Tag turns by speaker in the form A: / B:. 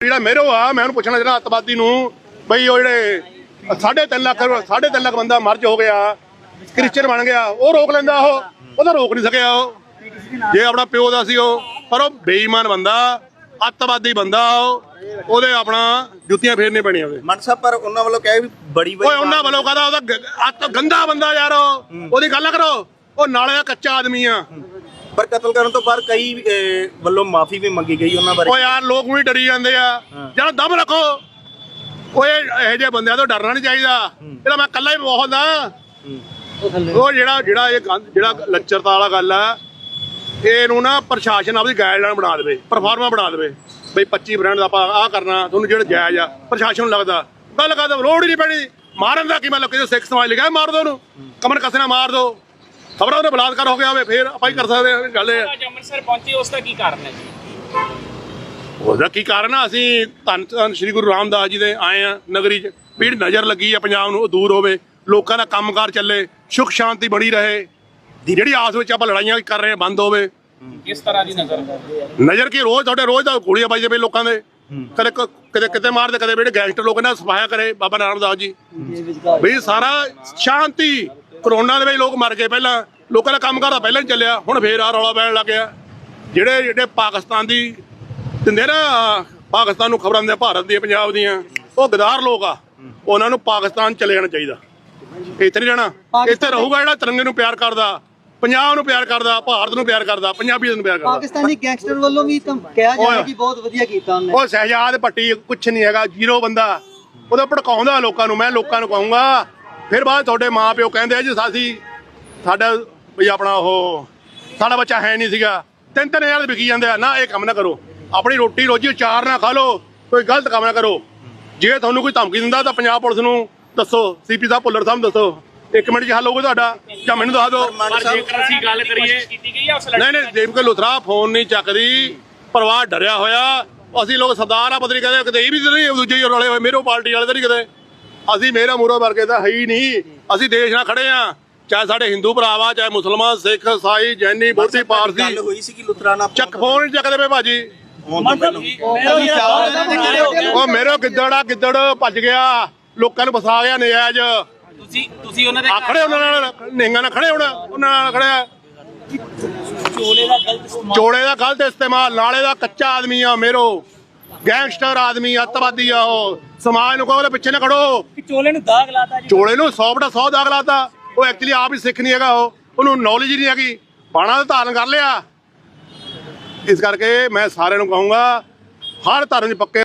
A: ਜਿਹੜਾ ਮੇਰੋ ਆ ਮੈਂ ਉਹਨੂੰ ਪੁੱਛਣਾ ਜਿਹੜਾ ਅੱਤਵਾਦੀ ਨੂੰ ਬਈ ਉਹ ਜਿਹੜੇ 3.5 ਲੱਖ ਬੰਦਾ ਮਰਜ ਹੋ ਗਿਆ ਕ੍ਰਿਸਚਨ ਬਣ ਗਿਆ ਉਹ ਰੋਕ ਲੈਂਦਾ ਉਹ ਤਾਂ ਰੋਕ ਨਹੀਂ ਸਕਿਆ ਉਹ ਜੇ ਆਪਣਾ ਪਿਓ ਦਾ ਸੀ ਉਹ ਪਰ ਉਹ ਬੇਈਮਾਨ ਬੰਦਾ ਅੱਤਵਾਦੀ ਬੰਦਾ ਉਹਦੇ ਆਪਣਾ ਜੁੱਤੀਆਂ ਫੇਰਨੇ ਪੈਣੀਆਂ ਉਹਦੇ
B: ਮਨ ਸਾਹਿਬ ਪਰ ਉਹਨਾਂ ਵੱਲੋਂ ਕਹੇ ਵੀ ਬੜੀ
A: ਓਏ ਉਹਨਾਂ ਵੱਲੋਂ ਕਹਦਾ ਉਹਦਾ ਗੰਦਾ ਬੰਦਾ ਯਾਰ ਉਹਦੀ ਗੱਲ ਕਰੋ ਉਹ ਨਾਲੇ ਦਾ ਕੱਚਾ ਆਦਮੀ ਆ
B: ਪਰ ਕਤਲ ਕਰਨ ਤੋਂ ਬਾਅਦ ਕਈ ਵੱਲੋਂ ਮਾਫੀ ਵੀ ਮੰਗੀ ਗਈ ਉਹਨਾਂ ਬਾਰੇ।
A: ਓ ਯਾਰ ਲੋਕ ਵੀ ਡਰੀ ਜਾਂਦੇ ਆ ਯਾਰ ਦਮ ਰੱਖੋ ਓਏ ਇਹੋ ਜਿਹੇ ਬੰਦਿਆਂ ਤੋਂ ਡਰਨਾ ਨਹੀਂ ਚਾਹੀਦਾ ਇਹਦਾ ਮੈਂ ਇਕੱਲਾ ਹੀ ਬਹੁਤ ਆ ਉਹ ਜਿਹੜਾ ਲੱਚਰਤਾ ਵਾਲਾ ਗੱਲ ਆ ਇਹਨੂੰ ਨਾ ਪ੍ਰਸ਼ਾਸਨ ਆਪਦੀ ਗਾਈਡਲਾਈਨ ਬਣਾ ਦੇਵੇ ਪਰਫਾਰਮਾ ਬਣਾ ਦੇਵੇ ਬਈ 25 ਬ੍ਰਾਂਡ ਦਾ ਆਪਾਂ ਆਹ ਕਰਨਾ ਤੁਹਾਨੂੰ ਜਿਹੜਾ ਜਾਇਜ਼ ਆ ਪ੍ਰਸ਼ਾਸਨ ਨੂੰ ਲੱਗਦਾ ਗੱਲ ਕਰਦਾ ਲੋੜ ਹੀ ਨਹੀਂ ਪੈਣੀ ਮਾਰਨ ਦਾ ਕੀ ਮਤਲਬ ਕਿਸੇ ਸਿੱਖ ਸਮਾਜ ਲਿਖਿਆ ਮਾਰ ਦੋ ਉਹਨੂੰ ਕਮਰ ਕਸੇ ਨਾਲ ਮਾਰ ਦੋ ਖਬਰਾਂ ਉਹਨੇ ਬਲਾਤਕਾਰ ਹੋ ਗਿਆ ਹੋਵੇ ਫੇਰ ਆਪਾਂ ਹੀ ਕਰ ਸਕਦੇ ਹਾਂ ਗੱਲ ਇਹ
C: ਅੰਮ੍ਰਿਤਸਰ ਪਹੁੰਚੇ ਉਸ ਦਾ ਕੀ ਕਾਰਨ ਹੈ ਜੀ
A: ਉਹਦਾ ਕੀ ਕਾਰਨ ਆ ਅਸੀਂ ਧੰਨ ਸ਼੍ਰੀ ਗੁਰੂ ਰਾਮਦਾਸ ਜੀ ਦੇ ਆਏ ਆ ਨਗਰੀ 'ਚ ਵੀ ਨਜ਼ਰ ਲੱਗੀ ਆ ਪੰਜਾਬ ਨੂੰ ਉਹ ਦੂਰ ਹੋਵੇ ਲੋਕਾਂ ਦਾ ਕੰਮਕਾਰ ਚੱਲੇ ਸੁੱਖ ਸ਼ਾਂਤੀ ਬਣੀ ਰਹੇ ਜਿਹੜੀ ਆਸ ਵਿੱਚ ਆਪਾਂ ਲੜਾਈਆਂ ਕਰ ਰਹੇ ਬੰਦ ਹੋਵੇ
C: ਕਿਸ ਤਰ੍ਹਾਂ ਦੀ
A: ਨਜ਼ਰ ਕੀ ਰੋਜ਼ ਦਾ ਗੋਲੀਆਂ ਵੱਜਦੇ ਪਏ ਲੋਕਾਂ ਦੇ ਕਦੇ ਕਿਤੇ ਮਾਰਦੇ ਕਦੇ ਜਿਹੜੇ ਗੈਂਗਸਟਰ ਲੋਕ ਇਹਨਾਂ ਸਫਾਇਆ ਕਰੇ ਬਾਬਾ ਰਾਮਦਾਸ ਜੀ ਵੀ ਸਾਰਾ ਸ਼ਾਂਤੀ ਕਰੋਨਾ ਦੇ ਵਿੱਚ ਲੋਕ ਮਰ ਗਏ ਪਹਿਲਾਂ ਲੋਕਾਂ ਦਾ ਕੰਮ ਕਰਦਾ ਪਹਿਲਾਂ ਹੀ ਚੱਲਿਆ ਹੁਣ ਫੇਰ ਆ ਰੌਲਾ ਪੈਣ ਲੱਗ ਗਿਆ ਜਿਹੜੇ ਪਾਕਿਸਤਾਨ ਦੀ ਦਿੰਦੇ ਨਾ ਪਾਕਿਸਤਾਨ ਨੂੰ ਖਬਰਾਂ ਦਿੰਦੇ ਭਾਰਤ ਦੀਆਂ ਪੰਜਾਬ ਦੀਆਂ ਉਹ ਗਦਾਰ ਲੋਕ ਆ ਉਹਨਾਂ ਨੂੰ ਪਾਕਿਸਤਾਨ ਚਲੇ ਜਾਣਾ ਚਾਹੀਦਾ ਇੱਥੇ ਨਹੀਂ ਰਹਿਣਾ ਇੱਥੇ ਰਹੂਗਾ ਜਿਹੜਾ ਤਿਰੰਗੇ ਨੂੰ ਪਿਆਰ ਕਰਦਾ ਪੰਜਾਬ ਨੂੰ ਪਿਆਰ ਕਰਦਾ ਭਾਰਤ ਨੂੰ ਪਿਆਰ ਕਰਦਾ ਪੰਜਾਬੀਆਂ ਨੂੰ ਪਿਆਰ ਕਰਦਾ
D: ਪਾਕਿਸਤਾਨੀ ਗੈਂਗਸਟਰ ਵੱਲੋਂ ਵੀ ਤਾਂ ਕਿਹਾ ਜਾਂਦਾ ਕਿ ਬਹੁਤ ਵਧੀਆ ਕੀਤਾ ਉਹਨੇ
A: ਉਹ ਸ਼ਹਿਜਾਦ ਭੱਟੀ ਕੁਛ ਨਹੀਂ ਹੈਗਾ ਜ਼ੀਰੋ ਬੰਦਾ ਉਹਦਾ ਭੜਕਾਉਂਦਾ ਲੋਕਾਂ ਨੂੰ ਮੈਂ ਲੋਕਾਂ ਨੂੰ ਕਹੂੰਗਾ ਫਿਰ ਬਾਅਦ ਤੁਹਾਡੇ ਮਾਂ ਪਿਓ ਕਹਿੰਦੇ ਆ ਜੀ ਸਾਡਾ ਵੀ ਆਪਣਾ ਉਹ ਸਾਡਾ ਬੱਚਾ ਹੈ ਨਹੀਂ ਸੀਗਾ 3,000 ਵਿਕੀ ਜਾਂਦੇ ਆ ਨਾ ਇਹ ਕੰਮ ਨਾ ਕਰੋ ਆਪਣੀ ਰੋਟੀ ਰੋਜੀ ਚਾਰ ਨਾ ਖਾ ਲਓ ਕੋਈ ਗਲਤ ਕੰਮ ਨਾ ਕਰੋ ਜੇ ਤੁਹਾਨੂੰ ਕੋਈ ਧਮਕੀ ਦਿੰਦਾ ਤਾਂ ਪੰਜਾਬ ਪੁਲਿਸ ਨੂੰ ਦੱਸੋ ਸੀਪੀ ਸਾਹਿਬ ਭੁੱਲਰ ਸਾਹਿਬ ਦੱਸੋ 1 ਮਿੰਟ 'ਚ ਹੱਲ ਹੋਊਗਾ ਤੁਹਾਡਾ ਜਾਂ ਮੈਨੂੰ ਦੱਸ ਦਿਓ
C: ਜੇਕਰ ਅਸੀਂ ਗੱਲ ਕਰੀਏ ਕੀਤੀ ਗਈ ਆ ਉਸ
A: ਨਹੀਂ ਜੇਬ ਕੇ ਲੁਥਰਾ ਫੋਨ ਨਹੀਂ ਚੱਕਦੀ ਪਰਿਵਾਰ ਡਰਿਆ ਹੋਇਆ ਅਸੀਂ ਲੋਕ ਸਰਦਾਰ ਆ ਪਤਰੀ ਕਹਿੰਦੇ ਕਿਤੇ ਇਹ ਵੀ ਨਹੀਂ ਦੂਜੇ ਹੀ ਰਲੇ ਹੋਏ ਮੇਰੋ ਪਾਰਟੀ ਵਾਲੇ ਤਾਂ ਨਹੀਂ ਕਿਤੇ ਅਸੀਂ ਮੇਰਾ ਮੂਰੋ ਵਰਗੇ ਤਾਂ ਹੈ ਹੀ ਨਹੀਂ ਅਸੀਂ ਦੇਸ਼ ਨਾਲ ਖੜੇ ਆ ਚਾਹੇ ਸਾਡੇ ਹਿੰਦੂ ਭਰਾਵਾ ਚਾਹੇ ਮੁਸਲਮਾਨ ਸਿੱਖ ਈਸਾਈ ਜੈਨੀ ਬੋਧੀ ਪਾਰਸੀ
B: ਗੱਲ ਹੋਈ ਸੀ ਕਿ ਲੁਤਰਾ ਨਾਲ
A: ਚੱਕ ਫੋਨ ਨਹੀਂ ਚੱਕਦੇ ਪਏ ਭਾਜੀ ਉਹ ਮੇਰੋ ਗਿੱਦੜ ਭੱਜ ਗਿਆ ਲੋਕਾਂ ਨੂੰ ਫਸਾ ਗਿਆ ਨਜਾਇਜ਼
C: ਤੁਸੀਂ ਉਹਨਾਂ ਦੇ
A: ਖੜੇ ਉਹਨਾਂ ਨਾਲ ਨਿਹੰਗਾਂ ਨਾਲ ਖੜੇ ਉਹਨਾਂ ਨਾਲ ਖੜਿਆ ਚੋਲੇ ਦਾ ਗਲਤ ਇਸਤੇਮਾਲ ਨਾਲੇ ਦਾ ਕੱਚਾ ਆਦਮੀ ਆ ਮੇਰੋ ਗੈਂਗਸਟਰ ਆਦਮੀ ਅੱਤਵਾਦੀ ਆ ਉਹ ਸਮਾਜ ਨੂੰ ਕਹੋ ਉਹਦੇ ਪਿੱਛੇ ਨਾ ਖੜੋ
C: ਚੋਲੇ ਨੂੰ ਦਾਗ ਲਾਤਾ ਜੀ
A: ਚੋਲੇ ਨੂੰ 100 ਦਾਗ ਲਾਤਾ ਉਹ ਐਕਚੁਅਲੀ ਆਪ ਹੀ ਸਿੱਖ ਨਹੀਂ ਹੈਗਾ ਉਹਨੂੰ ਨੌਲੇਜ ਹੀ ਨਹੀਂ ਹੈਗੀ ਬਾਣਾ ਦਾ ਧਾਰਨ ਕਰ ਲਿਆ ਇਸ ਕਰਕੇ ਮੈਂ ਸਾਰਿਆਂ ਨੂੰ ਕਹੂੰਗਾ ਹਰ ਧਰਮ ਦੇ ਪੱਕੇ